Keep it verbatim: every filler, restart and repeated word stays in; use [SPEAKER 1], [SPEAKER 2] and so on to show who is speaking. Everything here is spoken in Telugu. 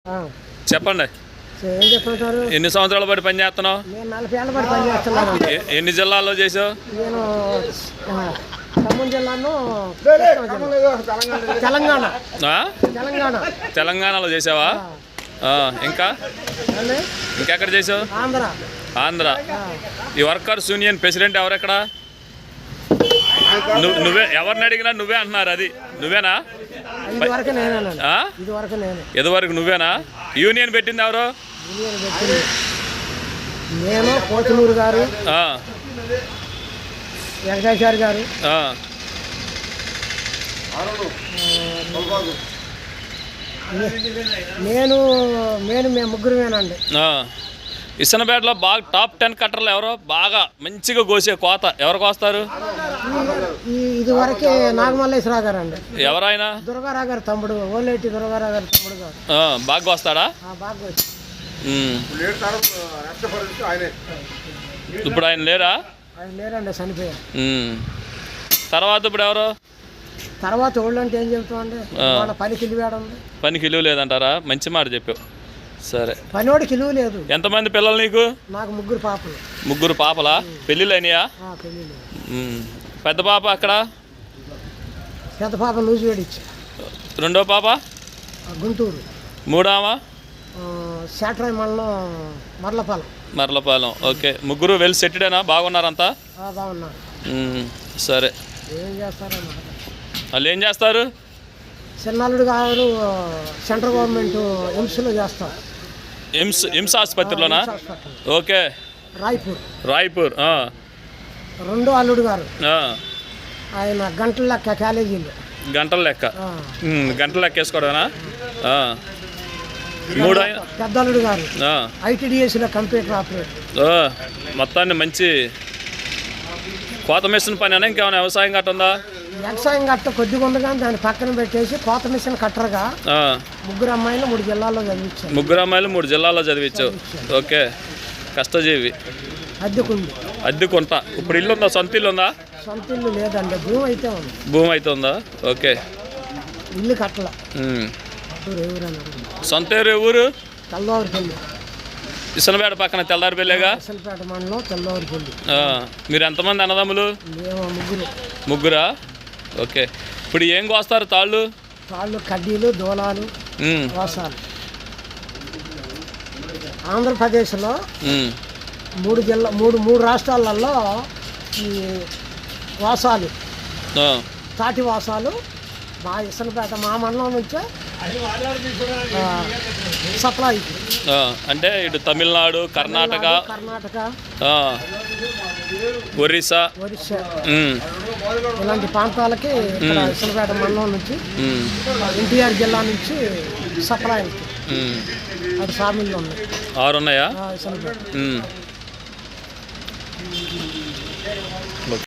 [SPEAKER 1] చెప్పండి.
[SPEAKER 2] ఏం చెప్తుంటారు?
[SPEAKER 1] ఎన్ని సంవత్సరాల పాటు పని చేస్తున్నావు?
[SPEAKER 2] నేను నలభై ఏళ్ళ పాటు పని చేస్తున్నాను.
[SPEAKER 1] ఎ- ఎన్ని జిల్లాల్లో చేసావు?
[SPEAKER 2] నేను ఆ, ఖమ్మం జిల్లాను తెలంగాణ
[SPEAKER 1] ఆ?
[SPEAKER 2] తెలంగాణ
[SPEAKER 1] తెలంగాణలో చేసావా? ఆ, ఇంకా
[SPEAKER 2] ఏంది?
[SPEAKER 1] ఇంకెక్కడ చేసావు?
[SPEAKER 2] ఆంధ్ర
[SPEAKER 1] ఆంధ్ర. ఈ వర్కర్స్ యూనియన్ ప్రెసిడెంట్ ఎవరెక్కడ? నువ్వు నువ్వే ఎవరిని అడిగినా నువ్వే అంటున్నారు. అది నువ్వేనా?
[SPEAKER 2] ఇది వరకు నేనేనండి.
[SPEAKER 1] ఆ?
[SPEAKER 2] ఇది వరకు నేను
[SPEAKER 1] ఇదివరకు నువ్వేనా? యూనియన్ పెట్టింది ఎవరు?
[SPEAKER 2] యూనియన్ పెట్టింది నేను, కోతులూరు గారు,
[SPEAKER 1] ఆ,
[SPEAKER 2] వెంకటేశ్వర గారు,
[SPEAKER 1] ఆ.
[SPEAKER 2] నేను నేను మేము ముగ్గురమేనండి.
[SPEAKER 1] ఆ. ఇసనపేటలో బాగా టాప్ టెన్ కట్టర్లు ఎవరో బాగా మంచిగా కోసే కోత ఎవరు కోస్తారు?
[SPEAKER 2] ఈ ఇది వరకే నాగమల్లేశ్వరరావు గారు అండి.
[SPEAKER 1] ఎవరైనా?
[SPEAKER 2] దుర్గారావు గారు తమ్ముడు, ఓలేటి దుర్గారావు గారు తమ్ముడు గారు.
[SPEAKER 1] ఆ, బాగా కోస్తాడా?
[SPEAKER 2] ఆ, బాగా వచ్చి.
[SPEAKER 1] ఉమ్. ఇప్పుడు ఆయన లేరా?
[SPEAKER 2] ఆయన లేరండి, చనిపోయారు.
[SPEAKER 1] ఉమ్. తర్వాత ఇప్పుడు ఎవరు?
[SPEAKER 2] తర్వాత ఓళ్ళు అంటే ఏం చెబుతామండి,
[SPEAKER 1] ఆ.
[SPEAKER 2] వాళ్ళ పనికి ఇల్లు
[SPEAKER 1] పనికి ఇల్లు లేదంటారా? మంచి మాట చెప్పావు. సరే.
[SPEAKER 2] పనివాడికి ఇల్లు లేదు.
[SPEAKER 1] ఎంతమంది పిల్లలు నీకు?
[SPEAKER 2] నాకు ముగ్గురు పాపలు.
[SPEAKER 1] ముగ్గురు పాపలా? పెళ్ళిళ్ళు అయినాయా?
[SPEAKER 2] ఆ, పెళ్ళి లేదు.
[SPEAKER 1] ఉమ్. పెద్ద పాప అక్కడ?
[SPEAKER 2] పెద్ద పాప నూజివేడిచ్చి,
[SPEAKER 1] రెండో పాప?
[SPEAKER 2] గుంటూరు.
[SPEAKER 1] మూడామా?
[SPEAKER 2] శాట్రాయి మండలం మర్లపాలెం.
[SPEAKER 1] మర్లపాలెం. ఓకే. ముగ్గురు వెల్ సెటిడేనా? బాగున్నారంతా?
[SPEAKER 2] ఆ, బాగున్నారు.
[SPEAKER 1] ఉమ్. సరే.
[SPEAKER 2] ఏం చేస్తారన్నమాట.
[SPEAKER 1] వాళ్ళు ఏం చేస్తారు?
[SPEAKER 2] చిన్నల్లుడు గారు సెంట్రల్ గవర్నమెంట్ ఎయిమ్స్లో చేస్తారు.
[SPEAKER 1] ఎయిమ్స్ ఎయిమ్స్ ఆసుపత్రిలోనా?
[SPEAKER 2] AIIMS hospital,
[SPEAKER 1] okay.
[SPEAKER 2] Raipur.
[SPEAKER 1] Raipur. ఆ.
[SPEAKER 2] రెండో అల్లుడు గారు
[SPEAKER 1] ఆ.
[SPEAKER 2] ఆయన గంటల లెక్క కాలేజీలో.
[SPEAKER 1] గంటల లెక్క.
[SPEAKER 2] ఆ.
[SPEAKER 1] ఉమ్, గంటల లెక్క వేసుకోవడమేనా? ఆ. మూడు ఆయన.
[SPEAKER 2] పెద్ద అల్లుడు గారు
[SPEAKER 1] ఆ.
[SPEAKER 2] ఐటీడీఎస్లో కంప్యూటర్ ఆపరేటర్.
[SPEAKER 1] ఓ, మొత్తాన్ని మంచి కోత మిషన్ పని అయినా ఇంకేమైనా వ్యవసాయం గట్ట ఉందా?
[SPEAKER 2] వ్యవసాయం గట్ట కొద్దిగా ఉంది కానీ దాన్ని పక్కన పెట్టేసి కోత మిషన్ కట్టరుగా
[SPEAKER 1] ఆ.
[SPEAKER 2] ముగ్గురు అమ్మాయిలు మూడు జిల్లాల్లో చదివించారు.
[SPEAKER 1] ముగ్గురు అమ్మాయిలు మూడు జిల్లాల్లో చదివించావు. ఓకే. కష్టజీవి.
[SPEAKER 2] అద్దెకుంది.
[SPEAKER 1] అద్దెకుంటా. ఇప్పుడు ఇల్లు ఉందా? సొంత ఇల్లు ఉందా?
[SPEAKER 2] సొంత ఇల్లు లేదండి, భూమి అయితే ఉంది.
[SPEAKER 1] భూమి అయితే ఉందా? ఓకే.
[SPEAKER 2] ఇల్లు కట్టల.
[SPEAKER 1] ఉమ్.
[SPEAKER 2] ఎవరైనా
[SPEAKER 1] సొంత ఊరు ఊరు?
[SPEAKER 2] తెల్లవారిపల్లి.
[SPEAKER 1] ఇసనపేట పక్కన తెల్లారిపల్లిగా?
[SPEAKER 2] అసలుపేట మండలం తెల్లవారిపల్లి.
[SPEAKER 1] ఆ. మీరు ఎంతమంది అన్నదమ్ములు?
[SPEAKER 2] మేము ముగ్గురు.
[SPEAKER 1] ముగ్గురా? ఓకే. ఇప్పుడు ఏం కోస్తారు తాళ్ళు?
[SPEAKER 2] తాళ్ళు, కడ్డీలు, దూలాలు,
[SPEAKER 1] ఉమ్.
[SPEAKER 2] వాసాలు. ఆంధ్రప్రదేశ్లో
[SPEAKER 1] ఉమ్.
[SPEAKER 2] మూడు జిల్లా మూడు మూడు రాష్ట్రాలలో ఈ వాసాలు,
[SPEAKER 1] ఆ.
[SPEAKER 2] తాటి వాసాలు మా ఇసనపేట మా మండలం నుంచే ఆ, సప్లై.
[SPEAKER 1] ఆ. అంటే ఇటు తమిళనాడు, కర్ణాటక,
[SPEAKER 2] కర్ణాటక,
[SPEAKER 1] ఆ, ఒరిస్సా,
[SPEAKER 2] ఒరిస్సా
[SPEAKER 1] ఉమ్.
[SPEAKER 2] ఇలాంటి ప్రాంతాలకి ఇక్కడ ఇసనపేట మండలం నుంచి,
[SPEAKER 1] ఉమ్.
[SPEAKER 2] ఎన్టీఆర్ జిల్లా నుంచి సప్లై
[SPEAKER 1] ఉమ్.
[SPEAKER 2] అది సామిల్లో ఉన్నాయి.
[SPEAKER 1] ఆరు ఉన్నాయా?
[SPEAKER 2] ఇసనపేట
[SPEAKER 1] ఉమ్.